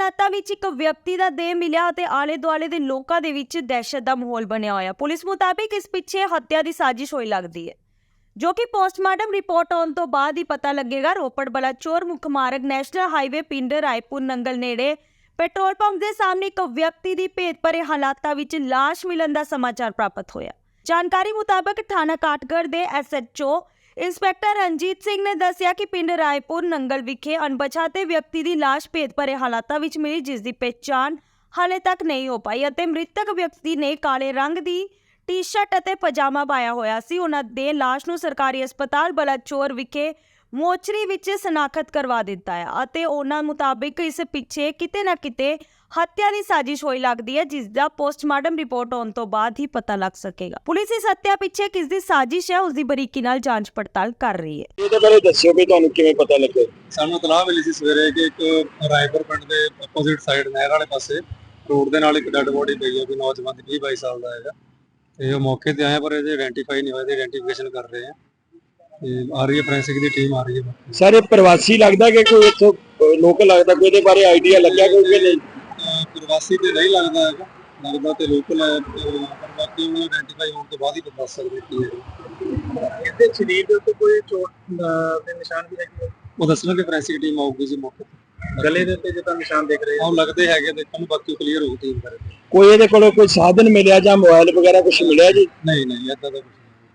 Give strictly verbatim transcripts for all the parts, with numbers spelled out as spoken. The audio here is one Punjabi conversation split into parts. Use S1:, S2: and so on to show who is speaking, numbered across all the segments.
S1: ਹਾਲਾਤਾਂ ਵਿੱਚ ਇੱਕ ਵਿਅਕਤੀ ਦਾ ਦੇਹ ਮਿਲਿਆ ਅਤੇ ਆਲੇ ਦੁਆਲੇ ਦੇ ਲੋਕਾਂ ਦੇ ਵਿੱਚ ਦਹਿਸ਼ਤ ਦਾ ਮਾਹੌਲ ਬਣਿਆ ਹੋਇਆ। ਪੁਲਿਸ ਮੁਤਾਬਿਕ ਇਸ ਪਿੱਛੇ ਹੱਤਿਆ ਦੀ ਸਾਜ਼ਿਸ਼ ਹੋਈ ਲੱਗਦੀ ਹੈ, ਜੋ ਕਿ ਪੋਸਟਮਾਰਟਮ ਰਿਪੋਰਟ ਆਉਣ ਤੋਂ ਬਾਅਦ ਹੀ ਪਤਾ ਲੱਗੇਗਾ। ਰੋਪੜ ਬਲਾਚੌਰ ਮੁੱਖ ਮਾਰਗ ਨੈਸ਼ਨਲ ਹਾਈਵੇ ਪਿੰਡ ਰਾਏਪੁਰ ਨੰਗਲ ਨੇੜੇ ਪੈਟਰੋਲ ਪੰਪ ਦੇ ਸਾਹਮਣੇ ਇੱਕ ਵਿਅਕਤੀ ਦੀ ਭੇਤ ਭਰੇ ਹਾਲਾਤਾਂ ਵਿੱਚ ਲਾਸ਼ ਮਿਲਣ ਦਾ ਸਮਾਚਾਰ ਪ੍ਰਾਪਤ ਹੋਇਆ। ਜਾਣਕਾਰੀ ਮੁਤਾਬਕ ਥਾਣਾ ਕਾਠਗੜ੍ਹ ਦੇ S H O inspector Ranjit Singh ਨੇ ਦੱਸਿਆ ਕਿ ਪਿੰਡ ਰਾਏਪੁਰ ਨੰਗਲ ਵਿਖੇ ਅਣਪਛਾਤੇ ਵਿਅਕਤੀ ਦੀ ਲਾਸ਼ ਭੇਤ ਭਰੇ ਹਾਲਾਤਾਂ ਵਿੱਚ ਮਿਲੀ, ਜਿਸ ਦੀ ਪਹਿਚਾਣ ਹਾਲੇ ਤੱਕ ਨਹੀਂ ਹੋ ਪਾਈ ਅਤੇ ਮ੍ਰਿਤਕ ਵਿਅਕਤੀ ਨੇ ਕਾਲੇ ਰੰਗ ਦੀ ਟੀ-ਸ਼ਰਟ ਅਤੇ ਪਜਾਮਾ ਪਾਇਆ ਹੋਇਆ ਸੀ। ਉਹਨਾਂ ਦੇ ਲਾਸ਼ ਨੂੰ ਸਰਕਾਰੀ ਹਸਪਤਾਲ ਬਲਾਚੌਰ ਵਿਖੇ ਮੋਚਰੀ ਵਿੱਚ ਸਨਾਖਤ ਕਰਵਾ ਦਿੱਤਾ ਹੈ ਅਤੇ ਉਹਨਾਂ ਮੁਤਾਬਿਕ ਇਸ ਪਿੱਛੇ ਕਿਤੇ ਨਾ ਕਿਤੇ ਹੱਤਿਆ ਦੀ ਸਾਜ਼ਿਸ਼ ਹੋਈ ਲੱਗਦੀ ਹੈ, ਜਿਸ ਦਾ ਪੋਸਟਮਾਰਟਮ ਰਿਪੋਰਟ ਆਉਣ ਤੋਂ ਬਾਅਦ ਹੀ ਪਤਾ ਲੱਗ ਸਕੇਗਾ। ਪੁਲਿਸ ਇਸ ਹੱਤਿਆ ਪਿੱਛੇ ਕਿਸ ਦੀ ਸਾਜ਼ਿਸ਼ ਹੈ ਉਸ ਦੀ ਬਰੀਕੀ ਨਾਲ ਜਾਂਚ ਪੜਤਾਲ ਕਰ ਰਹੀ ਹੈ।
S2: ਇਹਦੇ ਬਾਰੇ ਦੱਸਿਓ ਕਿ ਤੁਹਾਨੂੰ ਕਿਵੇਂ ਪਤਾ ਲੱਗੇ।
S3: ਸਾਨੂੰ ਇਤਲਾਹ ਮਿਲੀ ਸੀ ਸਵੇਰੇ ਕਿ ਇੱਕ ਰਾਏਪੁਰ ਪਿੰਡ ਦੇ ਆਪੋਜ਼ਿਟ ਸਾਈਡ ਨਹਿਰ ਵਾਲੇ ਪਾਸੇ ਰੋਡ ਦੇ ਨਾਲ ਇੱਕ ਡੈੱਡ ਬੋਡੀ ਪਈ ਹੈ, ਕੋਈ ਨੌਜਵਾਨ ਦੀ ਵੀਹ ਬਾਈ ਸਾਲ ਦਾ ਹੈਗਾ ਤੇ ਉਹ ਮੌਕੇ ਤੇ ਆਏ ਪਰ ਇਹਦੇ ਆਇਡੈਂਟੀਫਾਈ ਨਹੀਂ ਹੋਇਆ, ਤੇ ਆਇਡੈਂਟੀਫਿਕੇਸ਼ਨ ਕਰ ਰਹੇ ਆ ਤੇ ਆ ਰਹੀ ਹੈ ਫੋਰੈਂਸਿਕ ਦੀ ਟੀਮ ਆ ਰਹੀ ਹੈ।
S2: ਸਰ ਇਹ ਪ੍ਰਵਾਸੀ ਲੱਗਦਾ ਕਿ ਕੋਈ ਇੱਥੋਂ ਲੋਕਲ ਲੱਗਦਾ, ਕੋਈ ਇਹਦੇ ਬਾਰੇ ਆਈਡੀਆ ਲੱਗਿਆ ਕੋਈ ਕਿ ਨਹੀਂ?
S3: ਪ੍ਰਵਾਸੀ ਤੇ ਨਹੀਂ ਲੱਗਦਾ ਹੈਗਾ, ਲੱਗਦਾ ਤੇ ਲੋਕਲ ਹੈ, ਪਰ ਬਾਕੀ ਉਹਨੂੰ ਆਇਡੈਂਟੀਫਾਈ ਹੋਣ ਤੋਂ ਬਾਅਦ ਹੀ ਦੱਸ ਸਕਦੇ ਕੀ ਹੈ।
S2: ਇਹਦੇ ਸਰੀਰ ਦੇ ਉੱਤੇ ਕੋਈ ਚੋਟ ਦੇ ਨਿਸ਼ਾਨ ਵੀ ਹੈਗੇ?
S3: ਉਹ ਦੱਸਣਗੇ, ਫੋਰੈਂਸਿਕ ਟੀਮ ਆਊਗੀ ਜੀ ਮੌਕੇ ਤੇ।
S2: ਗਲੇ ਦੇ ਉੱਤੇ ਜਿੱਦਾਂ ਨਿਸ਼ਾਨ ਦੇਖ ਰਹੇ
S3: ਉਹ ਲੱਗਦੇ ਹੈਗੇ, ਦੇਖਣ ਨੂੰ ਬਾਕੀ ਕਲੀਅਰ ਹੋਊ ਟੀਮ ਕਰਕੇ।
S2: ਕੋਈ ਇਹਦੇ ਕੋਲੋਂ ਕੋਈ ਸਾਧਨ ਮਿਲਿਆ ਜਾਂ ਮੋਬਾਈਲ ਵਗੈਰਾ ਕੁਝ ਮਿਲਿਆ ਜੀ?
S3: ਨਹੀਂ ਨਹੀਂ ਏਦਾਂ ਦਾ ਕੁਝ ਨਹੀਂ।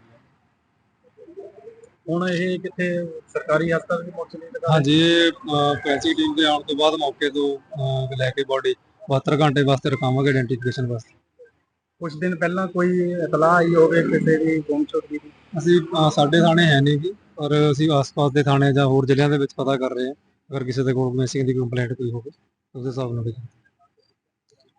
S2: ਹੁਣ ਇਹ ਕਿੱਥੇ ਸਰਕਾਰੀ ਹਸਪਤਾਲ ਵਿੱਚ ਪਹੁੰਚਣੀ ਹੈ?
S3: ਹਾਂਜੀ, ਇਹ ਫੋਰੈਂਸਿਕ ਟੀਮ ਦੇ ਆਉਣ ਤੋਂ ਬਾਅਦ ਮੌਕੇ ਤੋਂ ਅਹ, ਲੈ ਕੇ ਬੋਡੀ ਬਹੱਤਰ ਘੰਟੇ ਵਾਸਤੇ ਰਖਾਵਾਂਗੇ ਆਇਡੈਂਟੀਫਿਕੇਸ਼ਨ ਵਾਸਤੇ।
S2: ਕੁਝ ਦਿਨ ਪਹਿਲਾਂ ਕੋਈ ਇਤਲਾਹ ਆਈ ਹੋਵੇ ਕਿਸੇ ਦੀ ਗੁੰਮਸ਼ੁਦ ਦੀ?
S3: ਅਸੀਂ ਅਹ, ਸਾਡੇ ਥਾਣੇ ਹੈ ਨਹੀਂ ਜੀ, ਪਰ ਅਸੀਂ ਆਸ-ਪਾਸ ਦੇ ਥਾਣੇ ਜਾਂ ਹੋਰ ਜ਼ਿਲ੍ਹਿਆਂ ਦੇ ਵਿੱਚ ਪਤਾ ਕਰ ਰਹੇ ਹਾਂ। ਅਗਰ ਕਿਸੇ ਦੇ ਕੋਲ ਮਿਸਿੰਗ ਦੀ ਕੰਪਲੇਂਟ ਕੋਈ ਹੋਵੇ ਉਸ ਦੇ ਹਿਸਾਬ ਨਾਲ